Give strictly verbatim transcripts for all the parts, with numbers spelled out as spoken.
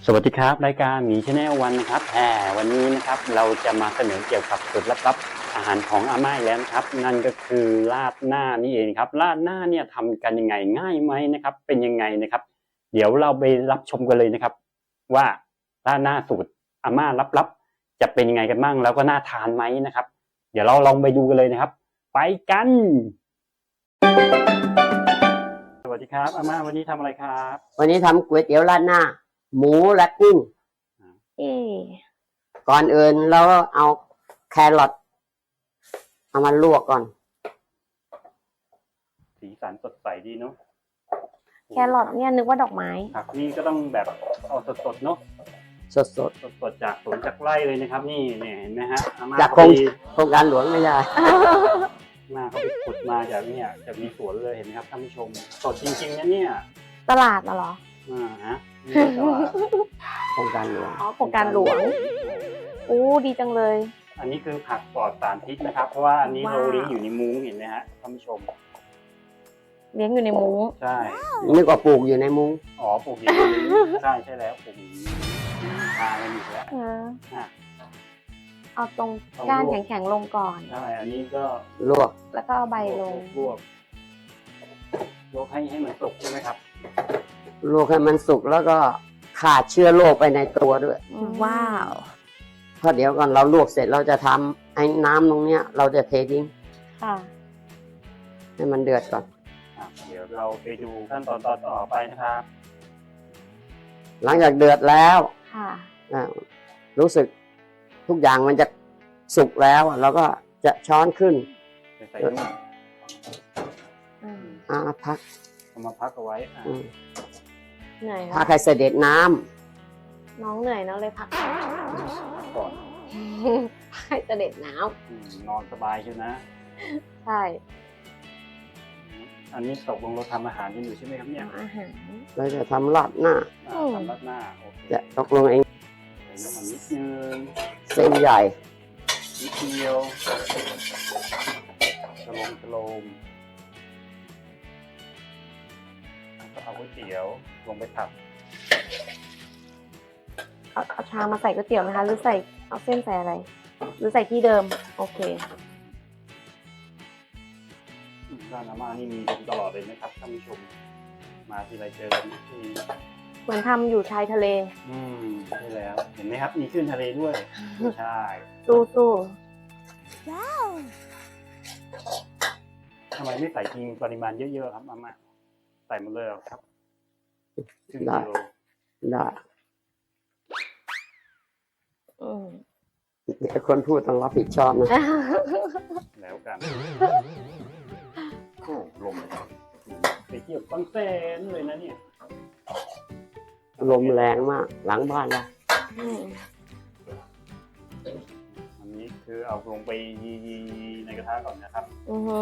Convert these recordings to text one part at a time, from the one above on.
สวัสดีครับรายการหมีชาแนลวันนะครับแหมวันนี้นะครับเราจะมาเสนอเกี่ยวกับสูตรลับๆอาหารของอาม่าอีกแล้วนะครับนั่นก็คือราดหน้านี่เองครับราดหน้าเนี่ยทำกันยังไงง่ายไหมนะครับเป็นยังไงนะครับเดี๋ยวเราไปรับชมกันเลยนะครับว่าราดหน้าสูตรอาม่าลับๆจะเป็นยังไงกันบ้างแล้วก็น่าทานไหมนะครับเดี๋ยวเราลองไปดูกันเลยนะครับไปกันสวัสดีครับอาม่าวันนี้ทำอะไรครับวันนี้ทำก๋วยเตี๋ยวราดหน้าหมูและกุ้งเอ๊ะก่อนอื่นเราเอาแครอทเอามาลวกก่อนสีสันสดใสดีเนาะแครอทเนี่ยนึกว่าดอกไม้ผักนี่ก็ต้องแบบเอาสดๆเนาะสดสดๆจากสวนจากไร่เลยนะครับ นี่เนี่ยเห็นไหมฮะอาม่าๆจากเขาโครงไปโครงการหลวงไม่ได้อาม่าเขาไปขุดมาจากเนี่ยจากมีสวนเลยเห็นไหมครับท่านผู้ชมสดจริงๆนะเนี่ยตลาดน่ะเหรออ่าฮะนี่ก็ว่าโครงการหลวงอ๋อโครงการหลวงอู้ดีจังเลยอันนี้คือผักปลอดสารพิษนะครับ เพราะว่าอันนี้ว้าวเราเลี้ยงอยู่ในมุ้งเห็นไหมฮะท่านผู้ชมเลี้ยงอยู่ในมุ้งใช่นึกว่าปลูกอยู่ในมุ้งอ๋อปลูกอย่างนี้ใช่ใช่แล้วปลูกอย่างนี้ทากันอยู่แล้วเอออ่ะเอาตรงก้านแข็งๆลงก่อนใช่อันนี้ก็ลวกแล้วก็เอาใบลงลวกลวกให้ให้มันสุกใช่ไหมครับลวกให้มันสุกแล้วก็ขาดเชื้อโรคไปในตัวด้วยว้าวเพราะเดี๋ยวก่อนเราลวกเสร็จเราจะทำไอ้น้ำตรงเนี้ย เราจะเททิ้งค่ะให้มันเดือดก่อนอ่ะเดี๋ยวเราไปดูขั้นตอนต่อต่อไปนะครับหลังจากเดือดแล้วค่ะอ่ารู้สึกทุกอย่างมันจะสุกแล้วเราก็จะช้อนขึ้นไปใส่นุ่มอืมอ่าพักเอามาพักเอาไว้อ่ะอืมเหนื่อยพัแล้กวให้เสด็จน้ำน้องเหนื่อยเนอะเลยพักก่อนให้เสด็จน้อืมนอนสบายใช่ไหมำใช่อันนี้ตกลงเราทำอาหารกันอยู่ใช่ไหมครับเนี่ยทำอาหารเราจะทำราดหน้าอ่ะอืมทำรัดหน้าโอเคจะตกลงเองใส่น้ำมันนิดนึงเส้นใหญ่นิดเดียวสโลมสโลมแล้วก็เอาก๋วยเตี๋ยวลงไปผัดเอาเอาชามมาใส่ก๋วยเตี๋ยวไหมคะ หรือใส่เอาเส้นใส่อะไร หรือใส่ที่เดิม โอเคอืมร้านอาม่านี่มีตลอดเลยนะครับท่านผู้ชม มาทีไรเจอกันทุกทีเหมือนทำอยู่ชายทะเลอืมใช่แล้วเห็นไหมครับมีขึ้นทะเลด้วยใช่สู้สู้ทำไมไม่ใส่ทิ้งปริมาณเยอะๆครับอาม่าใส่หมดเลยเหรอครับครึ่งได้กิโลได้อืมเดี๋ยวคนพูดต้องรับผิดชอบนะแล้วกันโอ้ลมไปเที่ยวบางแสนเลยนะเนี่ยลมแรงมาก หลังบ้านเราอืมอันนี้คือเอาลงไปยีๆในกระทะก่อนนะครับอือฮึ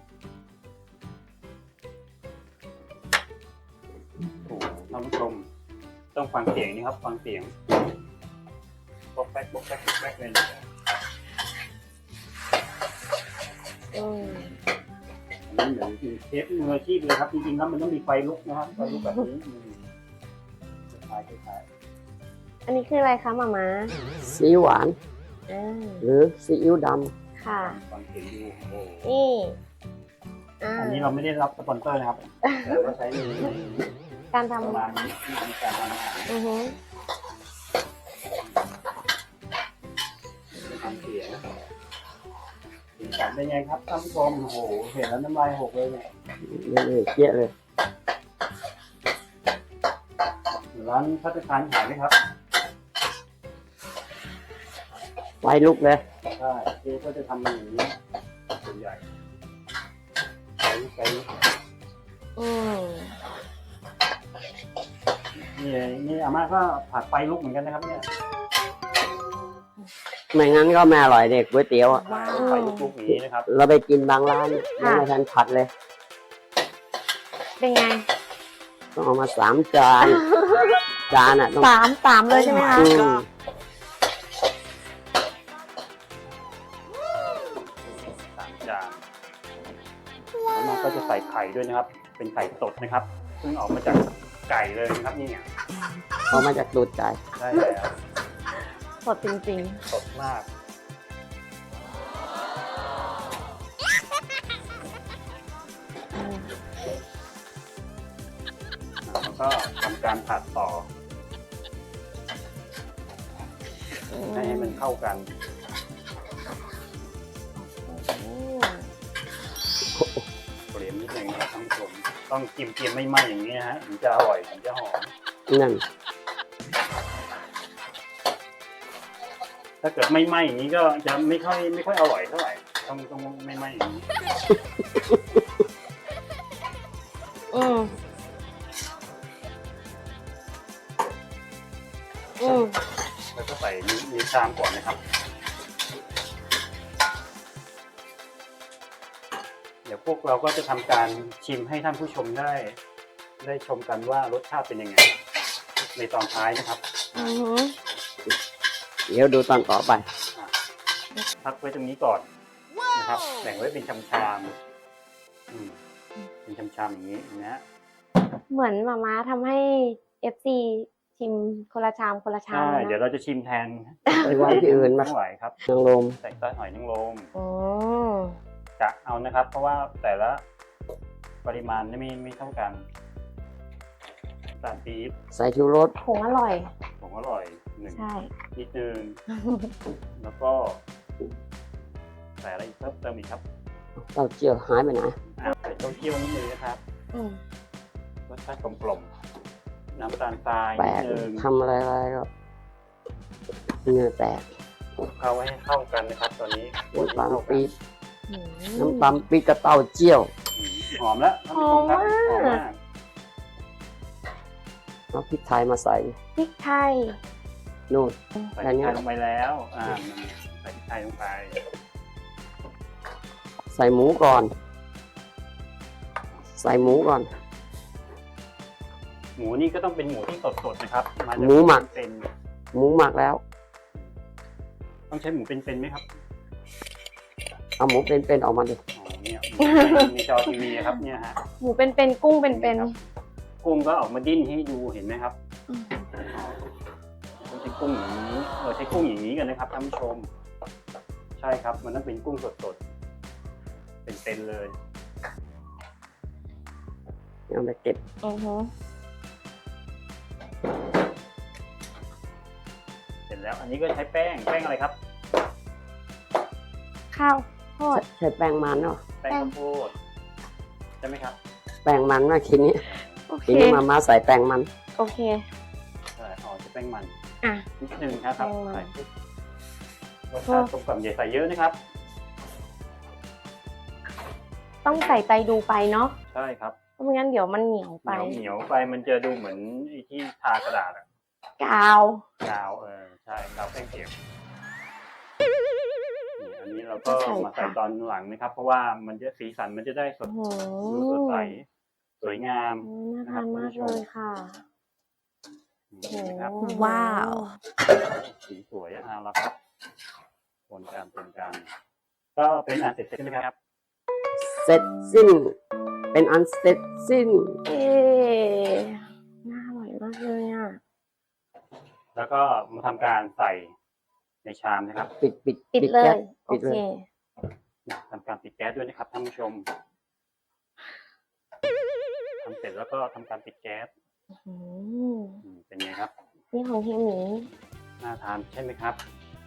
โอ้ท่านผู้ชมต้องฟังเสียงนี่ครับ ฟังเสียงบล็อกแป๊กบล็อกแป๊กบล็อกแป๊กเลยนะอืมอันนี้เหมือนเชฟมืออาชีพเลยครับจริงๆแล้วมันต้องมีไฟลุกนะครับไฟลุกแบบนี้อืมคล้ายๆคล้ายอันนี้คืออะไรคะหมาม้าซีอิ๊วหวานอ่าหรือซีอิ๊วดค่ะๆฟังเสียงดูโอ้โหนี่อ่าอันนี้เราไม่ได้รับสปอนเซอร์นะครับแต่ว่าใช้ในการทประมาณนี้ในการทำอาหารำอือฮึทำเสียงสีสันเป็นไงครับท่านผู้ชมโอ้โหเห็นแล้วน้ำลายหกเลยเนี่ยำนี่เจี๊ยะเลยร้านพัฒคารขายไหมครับไฟลุกเลยใช่เจ๊ก็จะทำอย่างนี้ส่วนใหญ่ใช้ใช้อืมนี่นี่อาม่าก็ผัดไฟลุกเหมือนกันนะครับเนี่ยไม่งั้นก็ไม่อร่อยเด็กก๋วยเตี๋ยวอะไฟลุกๆอย่างนี้นะครับเราไปกินบางร้านยังไม่ทันผัดเลยเป็นไงต้องเอามาสามจาน จานอ่ะต้องสามสามเลยใช่ไหมคะอืมสามจานอาม่าก็จะใส่ไข่ด้วยนะครับ เป็นไข่สดนะครับซึ่งออกมาจากไก่เลยนะครับนี่เนี่ยออกมาจากตูดไก่ได้แล้วสดจริงสดมากๆอืมแล้วก็ทำการผัดต่อให้ให้มันเข้ากันอืมเปลี่ยนนิดนึงนะครับท่านผู้ชมต้องกิมเกียมไม่ไหม้อย่างนี้นะฮะถึงจะอร่อยถึงจะหอมนั่นถ้าเกิดไม่ไหม้อย่างนี้ก็จะไม่ค่อยไม่ค่อยอร่อยเท่าไหร่ต้องต้องไม่ไหม้อย่างนี้อืมอืมแล้วก็ใส่ในชามก่อนนะครับ เดี๋ยวพวกเราก็จะทำการชิมให้ท่านผู้ชมได้ ได้ชมกันว่ารสชาติเป็นยังไง ในตอนท้ายนะครับอือหือเดี๋ยวดูตอนต่อไปพักไว้ตรงนี้ก่อนนะครับแบ่งไว้เป็นชามชามๆอืมเป็นชามชามๆอย่างนี้นะฮะเหมือนมาม่าทำให้ เอฟ ซี ชิมคนละชามคนละชามใช่นะเดี๋ยวเราจะชิมแทนไปไว้ที่อื่นมาไม่ไหวครับนางลมใส่ซอสหอยนางรมอืมกะเอานะครับ เพราะว่าแต่ละปริมาณไม่ไม่เท่ากันน้ำตาลปี๊บใส่ชูรสผงอร่อยผงอร่อยหนึ่งใช่นิดนึงแล้วก็ใส่อะไรอีกเพิ่มเติมอีกครับเต้าเจี้ยวหายไปไหนอ่ะใส่เต้าเจี้ยวนิดนึงนะครับอืมรสชาติกลมๆน้ำตาลทรายแปนิลดกนึงทำอะไรอะไรก็เหงื่อแตกคลุกเคล้าไว้ให้เข้ากันนะครับ ตอนนี้น้ำตาลปี๊บอืมน้ำตาลปี๊บกับเต้าเจี้ยวอืมหอมแล้วท่านผู้ชมครับหอมมากหอมมากเอาพริกไทยมาใส่พริกไทยนู่นใส่แค่พริกนี้ไทยลงไปแล้วอ่าใส่พริกไทยลงไปใส่หมูก่อน ใส่หมูก่อนหมูนี่ก็ต้องเป็นหมูที่สดๆนะครับาจากหมูหมักเป็นหมูหมักแล้วต้องใช้หมูเป็นๆไหมครับเอาหมูเป็นๆออกมาดิอ๋อเนี่ยในจอทีวีครับเนี่ยฮะหมูเป็นๆกุ้งเป็นครับกุ้งก็ออกมาดิ้นให้ดูเห็นไหมครับๆอืมเราใช้กุ้งอย่างนี้เราใช้กุ้งอย่างนี้กันนะครับท่านผู้ชม ใช่ครับมันต้องเป็นกุ้งสดๆเป็นๆเลยเอาไปเก็บอือหือเสร็จแล้วอันนี้ก็ใช้แป้งแป้งอะไรครับข้าวโพดใช้แป้งมันเนาะแป้งข้าวโพดใช่ไหมครับแป้งมันนะทีนี้โอเคทีนี้มามาใส่แป้งมันโอเคใช่อ๋อใช้แป้งมันอ่ะนิดนึงนะครับแป้งมันใส่ปุ๊บรสชาติกลมกล่อมอย่าใส่เยอะนะครับต้องใส่ใจดูไปเนาะใช่ครับเพราะไม่งั้นเดี๋ยวมันเหนียวเหไปนียวเหนียวไปมันจะดูเหมือนไอ้ที่ทากระดาษอะกาวกาวเออใช่กาวแป้งเปียกนี่อันนี้เราก็มาใส่ตอนหลังนะครับ เพราะว่ามันจะสีสันมันจะได้สดโอ้โหดูสดใสสวยงามน่าทานมากเลยค่ะนี่นะครับว้าวสีสวยอ่ะแล้วครับผลการเป็นการก็เป็นอันเสร็จใช่ไหมครับเสร็จสิ้น เป็นอันเสร็จสิ้นเอ๊ะน่าอร่อยมากเลยอ่ะแล้วก็มาทำการใส่ในชามนะครับปิดปิดปิดเลแก๊ยสโอปิดเคเลยทำการปิดแก๊สด้วยนะครับท่านผู้ชมทำเสร็จแล้วก็ทำการปิดแก๊สอืมอืมเป็นไงครับนี่ของเฮียหมีน่าทานใช่ไหมครับ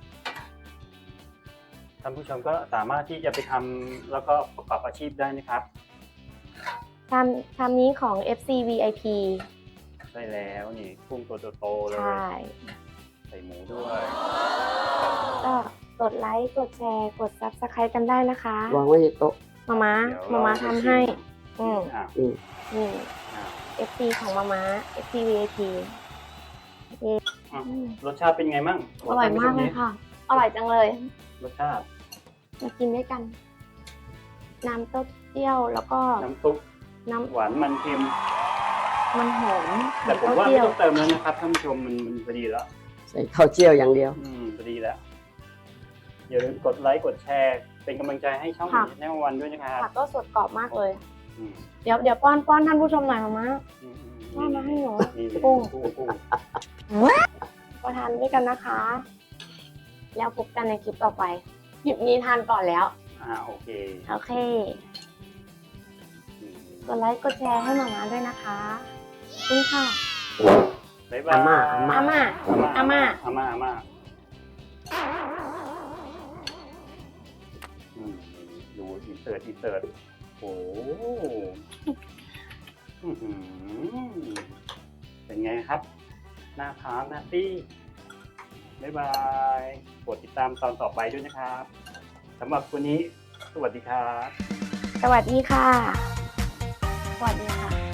ท่านผู้ชมก็สามารถที่จะไปทำแล้วก็ประกอบอาชีพได้นะครับชามชามนี้ของ เอฟ ซี วี ไอ พีใช่แล้วนี่กุ้งตัวโตๆเลยใช่ใส่หมูด้วยก็กดไลค์ กดแชร์ กด ซับสไครต์ กันได้นะคะวางไว้ที่โต๊ะมาม่าเดี๋ยวมาม่าเรทำให้ อืมอ่ะอืมนี่อ่ะเอฟ ซี ของมาม่า เอฟ ซี วี ไอ พีอ่ะรสชาติเป็นไงมั่งอร่อยมากเลยค่ะ อร่อยจังเลยรสชาติมากินด้วยกัน น้ำเต้าเจี้ยวแล้วก็น้ำซุปน้หวานมันเค็มำมันหอมแต่ผมเต้าว่าไม่เจี้ยวต้องเติมแล้วนะครับท่านผู้ชมมันมันพอดีแล้วใส่ข้าวเจียวอย่างเดียวอืมพอดีแล้วอย่าลืมกดไลค์กดแชร์เป็นกำลังใจให้ช่องแนววันด้วยนะครับผักก็สดกรอบมากเลยอืมเดี๋ยวเดี๋ยวป้อนป้อนท่านผู้ชมหน่อยมาม่าอืมอืมว่ามาให้หนูนี่กุ้งกุ้งกุ้งมาทานด้วยกันนะคะ แล้วพบกันในคลิปต่อไปคลิปนี้ทานก่อนแล้วอ่าโอเคโอเคอืมกดไลค์กดแชร์ให้หมามาด้วยนะคะขอบคุณค่ะบ๊ายบายอาม่าอาม่าอาม่าอาม่าอาม่าอาม่าอืมดูอินเสิร์ตอินเสิร์ตโอ้โหอื้อหือเป็นไงครับน่าทานนะตี้บ๊ายบายกดติดตามตอนต่อไปด้วยนะครับสำหรับวันนี้สวัสดีครับสวัสดีค่ะ สวัสดีค่ะ